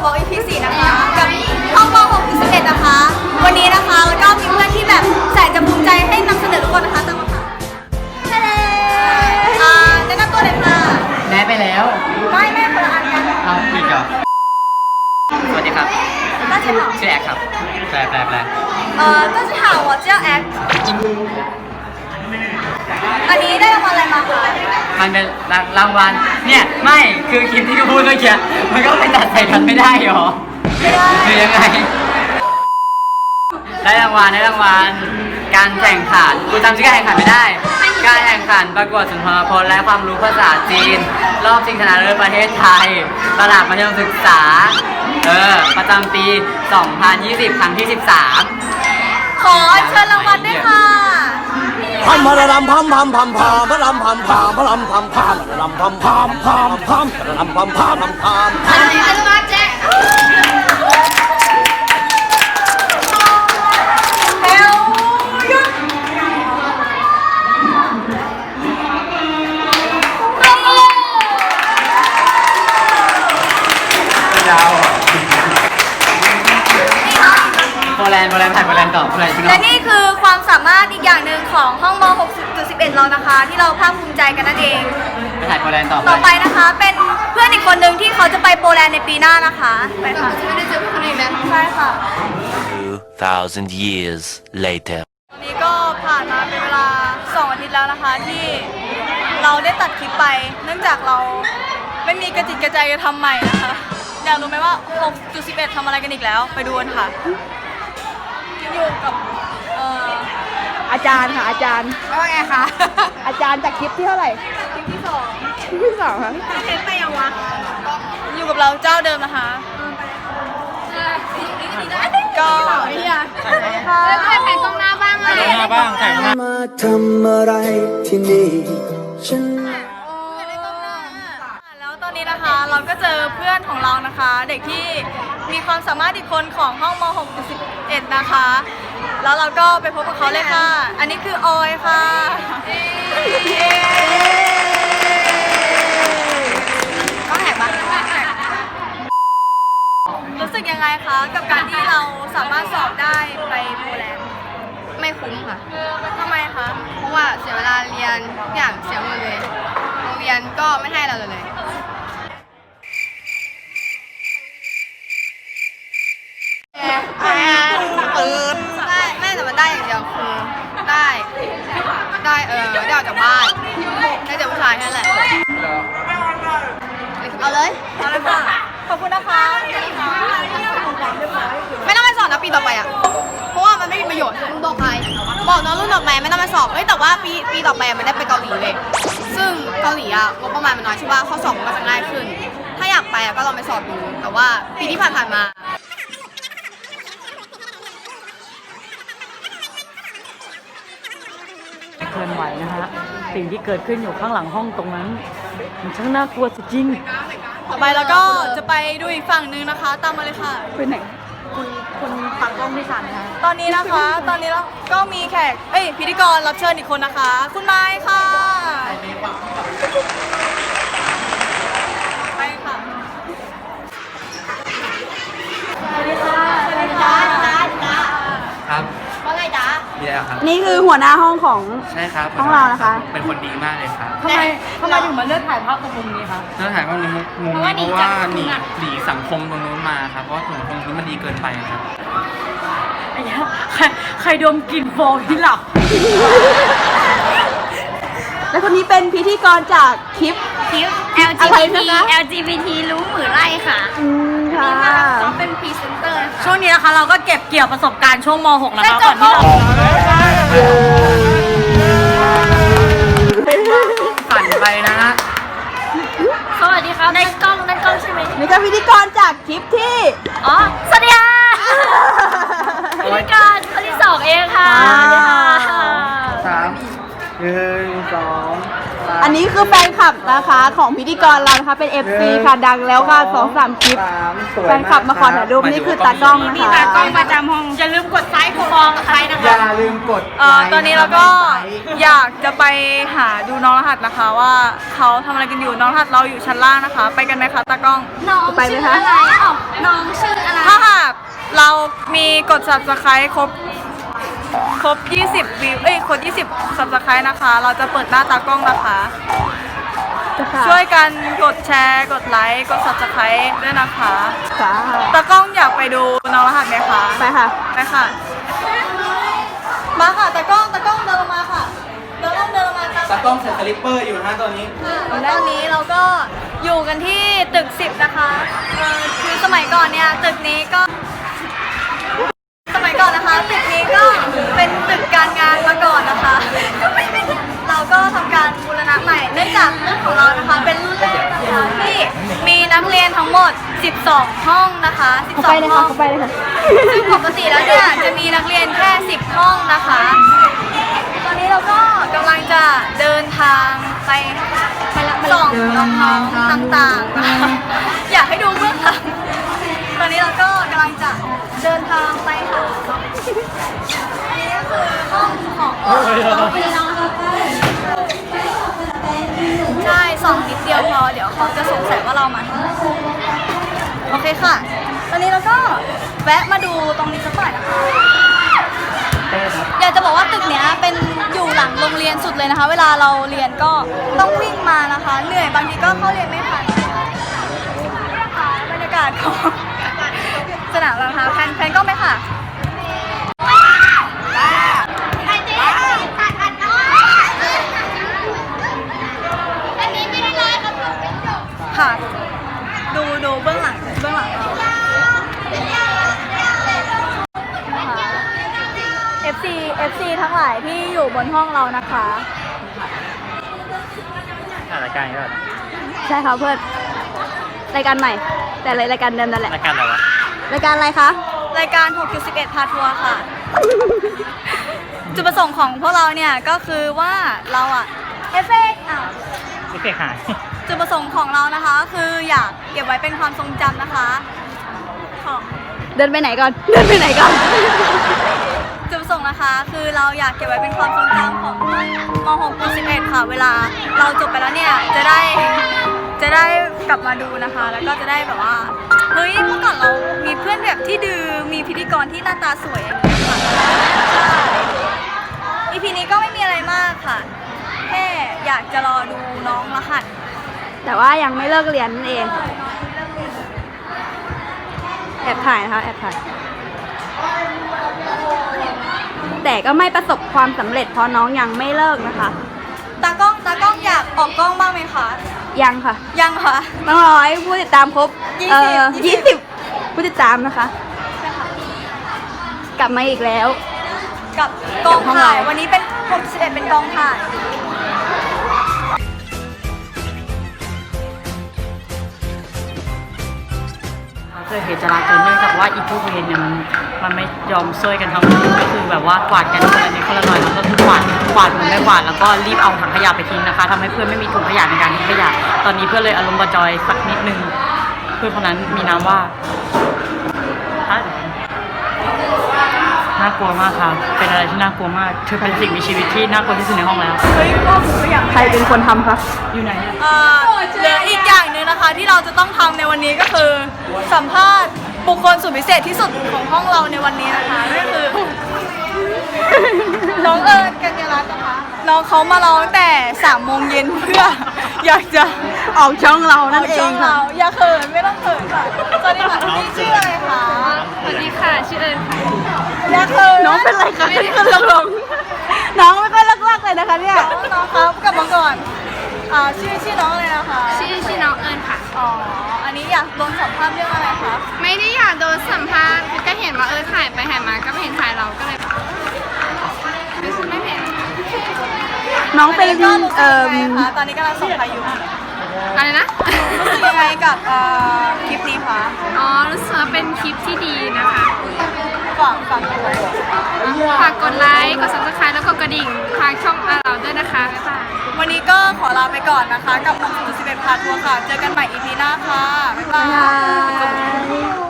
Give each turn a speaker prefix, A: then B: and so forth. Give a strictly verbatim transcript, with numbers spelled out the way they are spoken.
A: บอก อี พี สี่นะคะกับห้องม หกถึงสิบเอ็ด นะคะวันนี้นะคะแล้วก็มีเพื่อนที่แบบแสนจะภูมิใจให้นำเสนอทุกคนนะคะตามมาค่ะทะเลอ่าแนะนำตัวเลยค่ะ
B: แม่ไปแล้ว
A: ไม่ไม่คนละอันกัน
B: เอาอีกเหรอสวัสดีครับ
A: 大家好
B: ชื่อแอคครับแปลแปลแปล
A: เอ่อ大家好我叫แอคอันนี้ได้รางวัลอะไรมาคะ
B: มันเป็นรางวัลเนี่ยไม่คือคลิปที่กูพูดเมื่อกี้มันก็ไปตัดใส่กันไม่ได้หรอ
A: ไม่ได้
B: หรือยังไงได้รางวัลได้รางวัลการแข่งขันกูจำชื่อการแข่งขันไม่ได้การแข่งขันประกวดสุนทรพจน์และความรู้ภาษาจีนรอบชิงชนะเลิศประเทศไทยระดับมัธยมศึกษาเออประจำปี สองพันยี่สิบ ครั้งที่ สิบสาม
A: ขอเชิญรางวัลด้วยค่ะ
C: พัมพะรำพัมพัมพัมพัมพะรำพัมพัมพะรำพัมพัมพะรำพัมพัมพัมพัมพะรำพัมพัมพัมพัม
A: อันนี้อันนี้มาแจ๊คเฮลยุด
B: ยาวโปแลนด์โปแลนด์ถ่ายโปแลนด์ต่อโปแลนด์จริงเหรอ
A: และนี่คือความสามารถอีกอย่างหนึ่งของห้องม หกถึงสิบเอ็ด เรานะคะที่เราภาคภูมิใจกันนั่นเอง
B: ไปถ่ายโปแลนด์ต่อ
A: ต่อไปนะคะเป็นเพื่อนอีกคนหนึ่งที่เขาจะไปโปแลนด์ในปีหน้านะคะไปค่ะจะไม่ได้เจอเพื่อนคนอื่นแล้วใช่ค่ะ
C: two thousand years later
A: วันนี้ก็ผ่านมาเป็นเวลาสองอาทิตย์แล้วนะคะที่เราได้ตัดคลิปไปเนื่องจากเราไม่มีกระจิตกระใจจะทำใหม่นะคะอยากรู้ไหมว่า หกจุดสิบเอ็ด ทำอะไรกันอีกแล้วไปดูกันค่ะอยู่กับเอ่อ
D: อาจารย์ค่ะอาจารย์
A: ว่าไงคะ
D: อาจารย์จากคลิปที่เท่าไหร่
A: คลิปที่สอง
D: คลิปที่สองค่ะ
A: เทปไปยังวะอยู่กับเราเจ้าเดิมนะคะก็เนี่ยถ่ายแผ่นกล้องหน้าบ้างเลย
B: หน้าบ้างถ่ายหน้า
C: มาทำอะไรที่นี่ฉัน
A: แล้วตอนนี้นะคะเราก็เจอเพื่อนของเรานะคะ เด็กที่มีความสามารถอีกคนของห้องม หกถึงสิบเอ็ด นะคะแล้วเราก็ไปพบกับเขาเลยค่ะอันนี้คือออยค่ะก็แหกบ้างรู้สึกยังไงคะกับการที่เราสามารถสอบได้ไปโปแลนด์
E: ไม่คุ้มค่ะ
A: ทำไมคะ
E: เพราะว่าเสียเวลาเรียนทุกอย่างเสียหมดเลยโรงเรียนก็ไม่ให้เราเลยตื่นได้ไม่แต่มันได้อย่างเดียวคือได้ได้เออได้ออกจากบ้านได้เจอผู้ชายแค่นั้นแหละเอาเลย
A: เอาเลยค่ะขอบคุณนะคะ
E: ไม่ต้องไปสอบนะปีต่อไปอ่ะเพราะว่ามันไม่มีประโยชน์มึงบอกใครบอกน้องรุ่นต่อไปไม่ต้องไปสอบเฮ้ยแต่ว่าปีปีต่อไปมันได้ไปเกาหลีเลยซึ่งเกาหลีอ่ะงบประมาณมันน้อยใช่ป่ะข้อสอบมันก็จะง่ายขึ้นถ้าอยากไปอ่ะก็ลองไปสอบดูแต่ว่าปีที่ผ่านๆมา
D: เคลื่อนไหวนะฮะสิ่งที่เกิดขึ้นอยู่ข้างหลังห้องตรงนั้นมันช่างน่ากลัวจริง
A: ต่อไปแล้วก็จะไปดูอีกฝั่งนึงนะคะตามมาเลยค่ะ
D: ไปไหนคุณคุณปักกล้องที่สามนะคะ
A: ตอนนี้นะคะตอนนี้เราก็มีแขกเอ้ยพิธีกรรับเชิญอีกคนนะคะคุณไม้ค่ะไปค่ะสวัสดีค่ะสวัสดีค่ะ
B: ครับ
E: ว่าไงจ๊ะ
B: มีอะไรครับ
D: นี่คือหัวหน้าห้องของ
B: ใช่ครับ
D: ห้องเรานะคะ
B: เป็นคนดีมากเลยครับ
D: ทำไมทำไมถึงมาเลือกถ่ายภาพตรงมุมนี้คะ
B: เลือกถ่ายภาพตรงมุมนี้เพราะว่าหนีหนีสังคมตรงนู้นมาครับเพราะว่าสังคมตรงนี้มันดีเกินไปครับ
D: ไอ้เหี้ยใครใครดมกลิ่นโฟมที่หลับและคนนี้เป็นพิธีกรจากคลิป
E: คลิป แอล จี บี ที แอล จี บี ที รู้หมือไร่ค่ะ
D: อืมค่ะ
E: เขาเป็นพรีเซนเตอร์
D: ช่วงนี้นะคะเราก็เก็บเกี่ยวประสบการณ์ช่วงม หก นะคะก่อนที่เรา
B: ผ่านไปนะฮะ
E: สวัสดีครับในกล้องในกล้องใช่ไหม
D: นี่ก็พิธีกรจากคลิปที่
E: อ๋อสวัสดีค่ะพิธีกรคนที่สองเองค่ะสวัสดีค่ะ
B: สามหนึ่งสอง
D: อัน
E: นี้คือแฟนคลับนะคะของพิธีกรเรานะคะเป็น เอฟ ซี ค่ะดังแล้วค่ะสองสามคลิปแฟนคลับมาขอถ่ายรูปนี่คือตากล้องนะคะ
A: ตากล้องประจำห้องอย่าลืมกดไลค์กดฟองใครนะคะ
F: อย่าลืมกด
A: เอ่อตอนนี้เราก็อยากจะไปหาดูน้องรหัสนะคะว่าเขาทำอะไรกันอยู่น้องรหัสเราอยู่ชั้นล่างนะคะ ไปกันไหมคะตากล้อง
E: น้องชื่ออะไรอ๋อน้องชื่ออะไร
A: ถ้าหากเรามีกด subscribe ครบครบยี่สิบวิวเอ้ยครบยี่สิบ subscribe นะคะ เราจะเปิดหน้าตากล้องนะคะ ช่วยกันกดแชร์กดไลค์กด subscribe ด้วยนะคะ
E: ค่ะ
A: ตากล้องอยากไปดูน้องรหัสไหมคะ
E: ไปค่ะ
A: ไปค่ะ มาค่ะตากล้องตากล้องเดินลงมาค่ะตากล้องเดินลงมาตาม
F: ตากล้องใส่สลิปเปอร์อยู่นะตอนนี้
A: ตอนนี้เราก็อยู่กันที่ตึกสิบนะคะเอ่อคือสมัยก่อนเนี่ยตึกนี้ก็ สมัยก่อนนะคะตึกนี้ก็เป็นตึกการงานมาก่อนนะคะ เราก็ทำการบูรณะใหม่เนื่องจากเรื่องของเรานะคะเป็นรุ่นแรกนะคะที่มีนักเรียนทั้งหมดสิบสองห้องนะคะสิบสองห้อง
E: เข้าไปเลยค่ะ
A: ซึ่งปกติแล้วเนี่ยจะมีนักเรียนแค่สิบห้องนะคะ ตอนนี้เราก็กำลังจะเดินทางไปส่องน้องๆต่างๆนะคะอยากให้ดูเบื้องหลังตอนนี้เราก็กำลังจะเดินทางไปค่ะอันนี้ก็คือห้องของใช่ส่องนิดเดียวพอเดี๋ยวเขาจะสงสัยว่าเรามา โอเคค่ะ ตอนนี้เราก็แวะมาดูตรงนี้สักหน่อยนะคะ อยากจะบอกว่าตึกเนี้ยเป็นอยู่หลังโรงเรียนสุดเลยนะคะ เวลาเราเรียนก็ต้องวิ่งมานะคะ เหนื่อยบางทีก็เข้าเรียนไม่ทันนี่นะคะบรรยากาศของสนามเรานะคะแพนแพนก็ไหมค่ะ ค่ะ ดูดูเบื้องหลังเบื้องหลังเรานะคะ เอฟ ซี เอฟ ซี ทั้งหลายที่อยู่บนห้องเรานะคะ
B: รายการนี้ก็
E: ใช่ค่ะเพื่อนรายการใหม่ แต่รายการเดิมนั่นแหละ
B: รายการอะไรวะ
E: รายการอะไรคะ
A: รายการ หกจุดสิบเอ็ด พาทัวร์ค่ะ จุดประสงค์ของพวกเราเนี่ยก็คือว่าเราอะเอฟเฟกต์อ่ะ
B: ไม่เคยหาย
A: จุดประสงค์ของเรานะคะคืออยากเก็บไว้เป็นความทรงจำนะคะของ
E: เดินไปไหนก่อน เดินไปไหนก่อน
A: จุดประสงค์นะคะคือเราอยากเก็บไว้เป็นความทรงจำของม หกจุดสิบเอ็ด ค่ะ เวลาเราจบไปแล้วเนี่ยจะได้จะได้กลับมาดูนะคะ แล้วก็จะได้แบบว่าเฮ้ยเมื่อก่อนเรามีเพื่อนแบบที่ดื้อมีพิธีกรที่หน้าตาสวยอย่างนี้ค่ะใช่ อี พี นี้ก็ไม่มีอะไรมากค่ะ แค่อยากจะรอดูน้องรหัส
E: แต่ว่ายังไม่เลิกเรียนนั่นเอง แอบถ่ายนะคะแอบถ่าย แต่ก็ไม่ประสบความสำเร็จเพราะน้องยังไม่เลิกนะคะ
A: ตากล้องตากล้องอยากออกกล้องบ้างไหมคะ
E: ยังค่ะ
A: ยังค่ะ
E: ต้องรอให้ผู้ติดตามครบ
A: ยี่
E: เอ่
A: สิบ
E: อ
A: ยี่
E: ยี่
A: สิ
E: สิ
A: บ
E: บผู้ติดตามนะคะ กลับมาอีกแล้ว
A: กับกอง
E: เดี๋ยวห้อง
A: ถ่าย
E: เรา
A: วันนี้เป็นหกสิบเอ็ดเป็นกองถ่าย
D: เกิดเหตุจราจรเนื่องจากว่าอีพวกเวรเนี่ยมันมันไม่ยอมช่วยกันทั้งคืนก็คือแบบว่ากวาดกันคนละนิดคนละหน่อยแล้วก็คือกวาดกวาดเหมือนไม่กวาดแล้วก็รีบเอาถังขยะไปทิ้งนะคะทำให้เพื่อนไม่มีถุงขยะในการทิ้งขยะตอนนี้เพื่อนเลยอารมณ์บะจอยสักนิดนึงเพื่อนคนนั้นมีนามว่าฮะน่ากลัวมากค่ะเป็นอะไรที่น่ากลัวมากเธอเป็นสิ่งมีชีวิตที่น่ากลัวที่สุดในห้องแล้ว
A: เฮ้ยก็คืออยาก
E: ใครเป็นคนทำคะ
D: อยู่ไหนอะ
A: เอ่อเหลืออีกอย่างหนึ่งนะคะที่เราจะต้องทำในวันนี้ก็คือ สัมภาษณ์บุคคลสุดพิเศษที่สุดของห้องเราในวันนี้นะคะนั่นก็คือ น้องเอิญกัญญารัตน์นะคะน้องเขามารอตั้งแต่สามโมงเย็นเพื่อ อยากจะ
E: ออกช่องเรานั่นเอ
A: ช่อง ง
E: ค่ะ
A: เราอย่าเขินไม่ต้องเขินค่ะสวัสดีค่ะพี่ชื่ออะไรคะ
E: สวัสดีค่ะชื่อเอิญค่ะ
A: อย่าเขิน
E: น้องเป็นไรคะขึ้นลงลงน้องไม่ค่อยเลิกๆเลยนะคะเนี่ย
A: น้องน้องครับกลับมาก่อนอ่าชื่อชื่อน้องอะไรนะคะ
G: ชื่อชื่อน้องเอิญค่ะ
A: อ๋ออันนี้อยากโดนสัมภาษณ์เรื่องอะไรคะ
G: ไม่ได้อยากโดนสัมภาษณ์ก็เห็นว่าเออถ่ายไปถ่ายมาก็ไม่เห็นถ่ายเราก็เลยแบบรู้สึกไม่เห็น
E: น้องเป็น
A: ก็รู้สึก
E: เอ่อ
A: ยังไงคะตอนนี้กำลังส่งพายุ
G: อะไรนะ
A: รู้สึกยังไงกับเอ่อคลิปนี้คะ
G: อ๋อรู้สึกว่าเป็นคลิปที่ดีนะคะ
A: ขฝากฝากกันไว้
G: ฝากกดไลค์ กด ซับสไครบ์ แล้วกดกระดิ่งทางช่องเราด้วยนะคะ บ๊ายบาย
A: วันนี้ก็ขอลาไปก่อนนะคะ กับหกจุดสิบเอ็ดพาทัวร์ค่ะ เจอกันใหม่ อี พี หน้าค่ะ บ๊ายบาย